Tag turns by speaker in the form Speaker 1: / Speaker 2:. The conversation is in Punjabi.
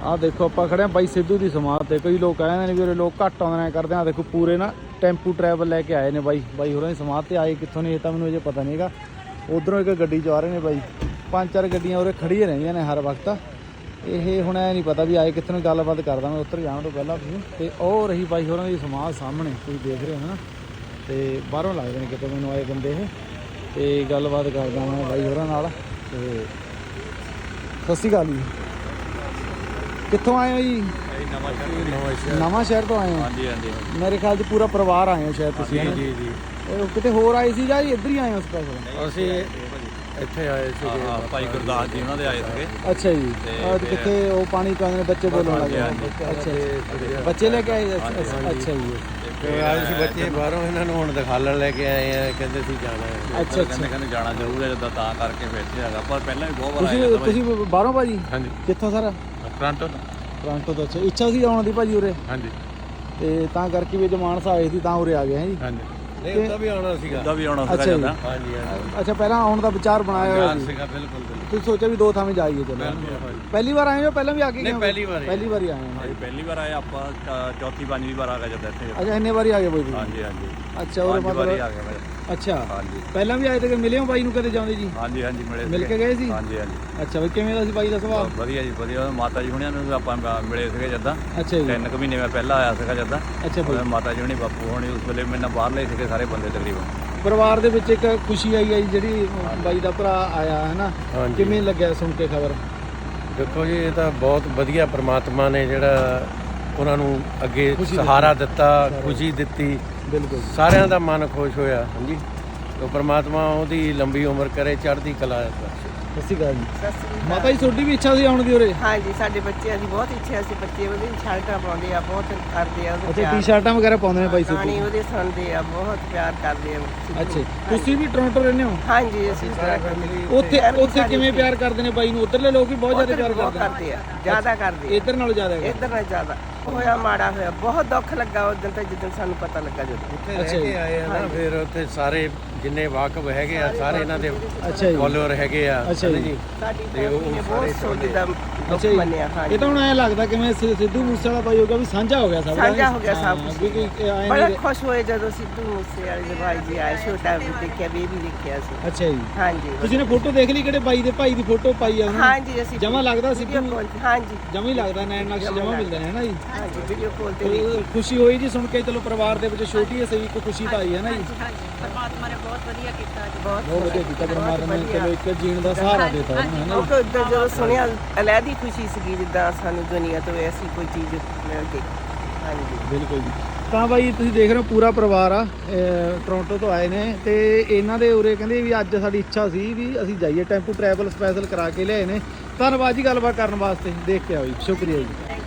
Speaker 1: ਆਹ ਦੇਖੋ ਆਪਾਂ ਖੜੇ ਆ ਬਾਈ ਸਿੱਧੂ ਦੀ ਸਮਾਧ ਤੇ। ਕਈ ਲੋਕ ਕਹਿੰਦੇ ਨੇ ਵੀ ਉਰੇ ਲੋਕ ਘੱਟ ਆਉਂਦੇ ਨੇ ਕਰਦੇ ਆ। ਦੇਖੋ ਪੂਰੇ ਨਾ ਟੈਂਪੂ ਟਰੈਵਲ ਲੈ ਕੇ ਆਏ ਨੇ ਬਾਈ ਹੋਰਾਂ ਦੀ ਸਮਾਧ ਤੇ। ਆਏ ਕਿੱਥੋਂ ਨੇ ਇਹ ਤਾਂ ਮੈਨੂੰ ਅਜੇ ਪਤਾ ਨਹੀਂ ਹੈਗਾ। ਉਧਰੋਂ ਇੱਕ ਗੱਡੀ 'ਚ ਆ ਰਹੇ ਨੇ ਬਾਈ। 5-4 ਗੱਡੀਆਂ ਉਰੇ ਖੜੀਆਂ ਰਹਿੰਦੀਆਂ ਨੇ ਹਰ ਵਕਤ। ਇਹ ਹੁਣ ਐ ਨਹੀਂ ਪਤਾ ਵੀ ਆਏ ਕਿੱਥੋਂ। ਗੱਲਬਾਤ ਕਰਦਾ ਮੈਂ ਉੱਤਰ ਜਾਣ ਤੋਂ ਪਹਿਲਾਂ ਤੁਸੀਂ। ਤੇ ਉਹ ਰਹੀ ਬਾਈ ਹੋਰਾਂ ਦੀ ਸਮਾਧ ਸਾਹਮਣੇ ਤੁਸੀਂ ਦੇਖ ਰਹੇ ਹੋ ਨਾ। ਤੇ ਬਾਹਰੋਂ ਲੱਗਦੇ ਨੇ ਕਿਤੇ ਮੈਨੂੰ ਆਏ ਬੰਦੇ ਇਹ। ਤੇ ਗੱਲਬਾਤ ਕਰਦਾ ਮੈਂ ਬਾਈ ਹੋਰਾਂ ਨਾਲ। ਤੇ ਸਤਿ ਸ਼੍ਰੀ ਅਕਾਲ ਜੀ। ਕਿੱਥੋਂ ਆਏ ਹੋ ਜੀ? ਨਵਾਂ ਸ਼ਹਿਰ ਤੋਂ ਆਏ ਹੋ?
Speaker 2: ਹਾਂਜੀ ਹਾਂਜੀ।
Speaker 1: ਮੇਰੇ ਖਿਆਲ 'ਚ ਪੂਰਾ ਪਰਿਵਾਰ ਆਏ ਹੋ ਸ਼ਾਇਦ ਤੁਸੀਂ।
Speaker 2: ਜੀ ਜੀ।
Speaker 1: ਕਿਤੇ ਹੋਰ ਆਏ ਸੀ ਜਾਂ ਇੱਧਰ ਹੀ ਆਏ ਹੋ ਸਪੈਸ਼ਲ?
Speaker 2: ਅਸੀਂ ਇੱਥੇ ਆਏ ਸੀਗੇ ਭਾਈ ਗੁਰਦਾਸ ਜੀ ਉਹਨਾਂ ਦੇ ਆਏ ਸੀਗੇ।
Speaker 1: ਅੱਛਾ ਜੀ। ਕਿੱਥੇ ਉਹ ਪਾਣੀ ਪਾਉਂਦੇ ਨੇ ਬੱਚੇ ਬੋਲਣ ਲੱਗੇ? ਅੱਛਾ ਜੀ, ਬੱਚੇ ਲੈ ਕੇ ਆਏ? ਅੱਛਾ ਜੀ।
Speaker 2: ਆਏ ਸੀ ਬੱਚੇ ਬਾਹਰੋਂ, ਇਹਨਾਂ ਨੂੰ ਹੁਣ ਦਿਖਾਲਣ ਲੈ ਕੇ ਆਏ ਆ। ਕਹਿੰਦੇ ਸੀ ਜਾਣਾ ਹੈ।
Speaker 1: ਅੱਛਾ
Speaker 2: ਕਹਿੰਦੇ ਜਾਣਾ ਜ਼ਰੂਰ ਹੈ ਜਿੱਦਾਂ, ਤਾਂ ਕਰਕੇ ਫਿਰ ਇੱਥੇ ਹੈਗਾ। ਪਰ ਪਹਿਲਾਂ ਵੀ ਬਹੁਤ ਵਾਰ ਆਏ।
Speaker 1: ਤੁਸੀਂ ਬਾਹਰੋਂ ਭਾਜੀ?
Speaker 2: ਹਾਂਜੀ।
Speaker 1: ਕਿੱਥੋਂ ਸਰ?
Speaker 2: ਟੋਰਾਂਟੋ
Speaker 1: ਤੋਂ। ਅੱਛਾ, ਇੱਛਾ ਸੀ ਆਉਣ ਦੀ ਭਾਜੀ ਉਰੇ?
Speaker 2: ਹਾਂਜੀ।
Speaker 1: ਤੇ ਤਾਂ ਕਰਕੇ ਵੀ ਮਾਨਸਾ ਆਏ ਸੀ ਤਾਂ ਉਰੇ ਆ ਗਏ ਹੈ ਜੀ?
Speaker 2: ਹਾਂਜੀ। ਨਹੀਂ ਉਹਦਾ ਵੀ ਆਉਣਾ ਸੀਗਾ।
Speaker 1: ਅੱਛਾ ਜੀ।
Speaker 2: ਹਾਂਜੀ।
Speaker 1: ਅੱਛਾ, ਪਹਿਲਾਂ ਆਉਣ ਦਾ ਵਿਚਾਰ ਬਣਾਇਆ ਹੋਇਆ
Speaker 2: ਸੀਗਾ? ਬਿਲਕੁਲ।
Speaker 1: ਤੁਸੀਂ ਸੋਚਿਆ ਵੀ 2 ਥਾਵੇਂ ਜਾਈਏ? ਚਲੋ। ਪਹਿਲੀ ਵਾਰ ਆਏ ਹੋ? ਪਹਿਲਾਂ ਵੀ ਆ ਕੇ?
Speaker 2: ਨਹੀਂ, ਪਹਿਲੀ ਵਾਰ
Speaker 1: ਹੀ ਆਏ ਹਾਂ।
Speaker 2: ਪਹਿਲੀ ਵਾਰ ਆਏ ਆਪਾਂ। ਚੌਥੀ ਪੰਜਵੀਂ ਵਾਰ ਆ ਗਏ ਜਦ ਇੱਥੇ।
Speaker 1: ਅੱਛਾ, ਇੰਨੇ ਵਾਰੀ ਆ ਗਏ ਬਾਈ?
Speaker 2: ਹਾਂਜੀ ਹਾਂਜੀ।
Speaker 1: ਅੱਛਾ, ਉਹ ਮਤਲਬ
Speaker 2: ਆ ਗਏ।
Speaker 1: ਅੱਛਾ।
Speaker 2: ਹਾਂਜੀ।
Speaker 1: ਪਹਿਲਾਂ ਵੀ ਆਏ ਤੇ ਮਿਲੇ ਹੋ ਬਾਈ ਨੂੰ ਕਦੇ ਜਾਂਦੇ ਜੀ?
Speaker 2: ਹਾਂਜੀ ਹਾਂਜੀ,
Speaker 1: ਮਿਲ ਕੇ ਗਏ ਸੀ?
Speaker 2: ਹਾਂਜੀ ਹਾਂਜੀ।
Speaker 1: ਅੱਛਾ ਬਈ, ਕਿਵੇਂ ਦਾ ਸੀ ਬਾਈ ਦਾ ਸੁਭਾਅ?
Speaker 2: ਵਧੀਆ ਜੀ ਵਧੀਆ। ਮਾਤਾ ਜੀ ਹੁਣਿਆਂ ਨੂੰ ਆਪਾਂ ਮਿਲੇ ਸੀਗੇ ਜਦਾਂ।
Speaker 1: ਅੱਛਾ ਜੀ।
Speaker 2: 3 ਮਹੀਨੇ ਮੈਂ ਪਹਿਲਾਂ ਆਇਆ ਸੀਗਾ ਜਦਾਂ।
Speaker 1: ਅੱਛਾ ਬਈ।
Speaker 2: ਮਾਤਾ ਜੀ ਹੁਣੀ ਬਾਪੂ ਹੁਣੀ ਉਸ ਵੇਲੇ ਮੇਰੇ ਨਾਲ ਬਾਹਰ ਲਏ ਸੀਗੇ ਸਾਰੇ ਬੰਦੇ ਤਕਰੀਬਨ।
Speaker 1: ਪਰਿਵਾਰ ਦੇ ਵਿੱਚ ਇੱਕ ਖੁਸ਼ੀ ਆਈ ਹੈ ਜੀ ਜਿਹੜੀ ਬਾਈ ਦਾ ਭਰਾ ਆਇਆ ਹੈ ਨਾ। ਕਿਵੇਂ ਲੱਗਿਆ ਸੁਣ ਕੇ ਖਬਰ?
Speaker 2: ਦੇਖੋ ਜੀ, ਇਹ ਤਾਂ ਬਹੁਤ ਵਧੀਆ ਪ੍ਰਮਾਤਮਾ ਨੇ ਜਿਹੜਾ ਉਹਨਾਂ ਨੂੰ ਅੱਗੇ ਸਹਾਰਾ ਦਿੱਤਾ, ਖੁਸ਼ੀ ਦਿੱਤੀ।
Speaker 1: ਬਿਲਕੁਲ।
Speaker 2: ਸਾਰਿਆਂ ਦਾ ਮਨ ਖੁਸ਼ ਹੋਇਆ। ਹਾਂਜੀ। ਤੋ ਪ੍ਰਮਾਤਮਾ ਉਹਦੀ ਲੰਬੀ ਉਮਰ ਕਰੇ, ਚੜ੍ਹਦੀ ਕਲਾ ਬਖਸ਼ੇ।
Speaker 1: ਸਤਿ ਸ਼੍ਰੀ ਅਕਾਲ ਜੀ। ਮਾਤਾ ਜੀ ਤੁਹਾਡੀ ਵੀ ਇੱਛਾ ਸੀ ਆਉਣ ਦੀ ਉਰੇ?
Speaker 3: ਹਾਂਜੀ, ਸਾਡੇ ਬੱਚਿਆਂ ਦੀ ਬਹੁਤ ਇੱਛਾ ਸੀ। ਬੱਚੇ ਉਹਦੇ ਸ਼ਰਟਾਂ ਪਾਉਂਦੇ ਆ, ਬਹੁਤ ਕਰਦੇ ਆ ਉਹਦੇ।
Speaker 1: ਅੱਛਾ, ਟੀ-ਸ਼ਰਟਾਂ ਵਗੈਰਾ ਪਾਉਂਦੇ ਨੇ ਬਾਈ ਸਿੱਧੂ?
Speaker 3: ਗਾਣੇ ਉਹਦੇ ਸੁਣਦੇ ਆ, ਬਹੁਤ ਪਿਆਰ ਕਰਦੇ ਆ।
Speaker 1: ਅੱਛਾ, ਤੁਸੀਂ ਵੀ ਟੋਰਾਂਟੋ ਰਹਿੰਦੇ ਹੋ?
Speaker 3: ਹਾਂਜੀ, ਅਸੀਂ
Speaker 1: ਉੱਥੇ ਕਿਵੇਂ ਪਿਆਰ ਕਰਦੇ ਨੇ ਬਾਈ ਨੂੰ? ਉੱਧਰਲੇ ਲੋਕ ਵੀ ਬਹੁਤ ਜ਼ਿਆਦਾ ਪਿਆਰ
Speaker 3: ਕਰਦੇ ਆ। ਜ਼ਿਆਦਾ ਕਰਦੇ।
Speaker 1: ਇੱਧਰ ਨਾਲੋਂ ਜ਼ਿਆਦਾ?
Speaker 3: ਇੱਧਰ ਨਾਲੋਂ ਜ਼ਿਆਦਾ। ਹੋਇਆ ਮਾੜਾ ਹੋਇਆ, ਬਹੁਤ ਦੁੱਖ ਲੱਗਾ ਉਸ ਦਿਨ। ਤਾਂ ਜਿੱਦਣ ਸਾਨੂੰ ਪਤਾ ਲੱਗਾ ਜਦੋਂ
Speaker 2: ਉੱਥੇ ਰਹਿ ਕੇ ਆਏ ਆ ਨਾ, ਫਿਰ ਉੱਥੇ ਸਾਰੇ ਜਿੰਨੇ ਵਾਕਫ ਹੈਗੇ ਆ ਸਾਰੇ ਇਹਨਾਂ ਦੇ ਫੋਲੋਅਰ ਹੈਗੇ ਆ।
Speaker 1: ਅੱਛਾ ਜੀ।
Speaker 3: ਸਾਡੀ ਫੈਮਿਲੀ ਨੇ ਬਹੁਤ ਸੋਚਦਾ ਦੁੱਖ ਮੰਨਿਆ। ਹਾਂਜੀ।
Speaker 1: ਇਹ ਤਾਂ ਹੁਣ ਐਂ ਲੱਗਦਾ ਕਿਵੇਂ ਸਿੱਧੂ ਮੂਸੇ ਵਾਲਾ ਬਾਈ ਹੋ ਗਿਆ ਵੀ ਸਾਂਝਾ ਹੋ ਗਿਆ ਸਭ।
Speaker 3: ਸਾਂਝਾ ਹੋ ਗਿਆ ਸਭ ਕੁਝ। ਬੜਾ ਖੁਸ਼ ਹੋਏ ਜਦੋਂ ਸਿੱਧੂ ਮੂਸੇ ਵਾਲੇ ਦੇ ਭਾਈ ਜੀ ਆਏ। ਛੋਟਾ ਵੀ ਦੇਖਿਆ, ਬੇਬੀ ਦੇਖਿਆ ਸੀ।
Speaker 1: ਅੱਛਾ ਜੀ।
Speaker 3: ਹਾਂਜੀ।
Speaker 1: ਤੁਸੀਂ ਨੇ ਫੋਟੋ ਦੇਖ ਲਈ ਕਿਹੜੇ ਬਾਈ ਦੇ ਭਾਈ ਦੀ ਫੋਟੋ ਪਾਈ ਆ?
Speaker 3: ਹਾਂਜੀ, ਅਸੀਂ
Speaker 1: ਜਮਾ ਲੱਗਦਾ ਸਿੱਧੂ?
Speaker 3: ਹਾਂਜੀ,
Speaker 1: ਜਮਾ ਹੀ ਲੱਗਦਾ। ਨੈਣ ਨਕਸ਼ ਜਮਾ ਮਿਲਦੇ ਨੇ ਹੈ ਨਾ ਜੀ?
Speaker 3: ਹਾਂਜੀ, ਵੀਡੀਓ ਕਾਲ ਤੇ
Speaker 1: ਖੁਸ਼ੀ ਹੋਈ ਜੀ ਸੁਣ ਕੇ। ਚਲੋ ਪਰਿਵਾਰ ਦੇ ਵਿੱਚ ਛੋਟੀ ਹੈ ਸਹੀ, ਇੱਕ ਖੁਸ਼ੀ ਤਾਂ ਆਈ ਹੈ ਨਾ ਜੀ?
Speaker 3: ਪਰਮਾਤਮਾ ਨੇ ਬਹੁਤ ਵਧੀਆ ਕੀਤਾ ਜੀ।
Speaker 1: ਬਹੁਤ ਵਧੀਆ ਕੀਤਾ ਪਰਮਾਤਮਾ ਨੇ। ਚਲੋ ਇੱਕ ਜੀਣ ਦਾ ਸਹਾਰਾ ਦਿੱਤਾ ਹੈ ਨਾ।
Speaker 3: ਜਦੋਂ ਸੁਣਿਆ ਅਲੱਗ ਹੀ ਖੁਸ਼ੀ ਸੀਗੀ, ਜਿੱਦਾਂ ਸਾਨੂੰ ਦੁਨੀਆ ਤੋਂ ਐਸੀ ਕੋਈ ਚੀਜ਼ ਮਿਲ ਗਈ। ਹਾਂਜੀ,
Speaker 1: ਬਿਲਕੁਲ ਜੀ। ਤਾਂ ਬਾਈ ਤੁਸੀਂ ਦੇਖ ਰਹੇ ਹੋ ਪੂਰਾ ਪਰਿਵਾਰ ਆ ਟੋਰਾਂਟੋ ਤੋਂ ਆਏ ਨੇ। ਤੇ ਇਹਨਾਂ ਦੇ ਉਰੇ ਕਹਿੰਦੇ ਵੀ ਅੱਜ ਸਾਡੀ ਇੱਛਾ ਸੀ ਵੀ ਅਸੀਂ ਜਾਈਏ, ਟੈਂਪੂ ਟਰੈਵਲ ਸਪੈਸ਼ਲ ਕਰਾ ਕੇ ਲਿਆਏ ਨੇ। ਧੰਨਵਾਦ ਜੀ ਗੱਲਬਾਤ ਕਰਨ ਵਾਸਤੇ। ਦੇਖ ਕੇ ਆਓ ਜੀ। ਸ਼ੁਕਰੀਆ ਜੀ।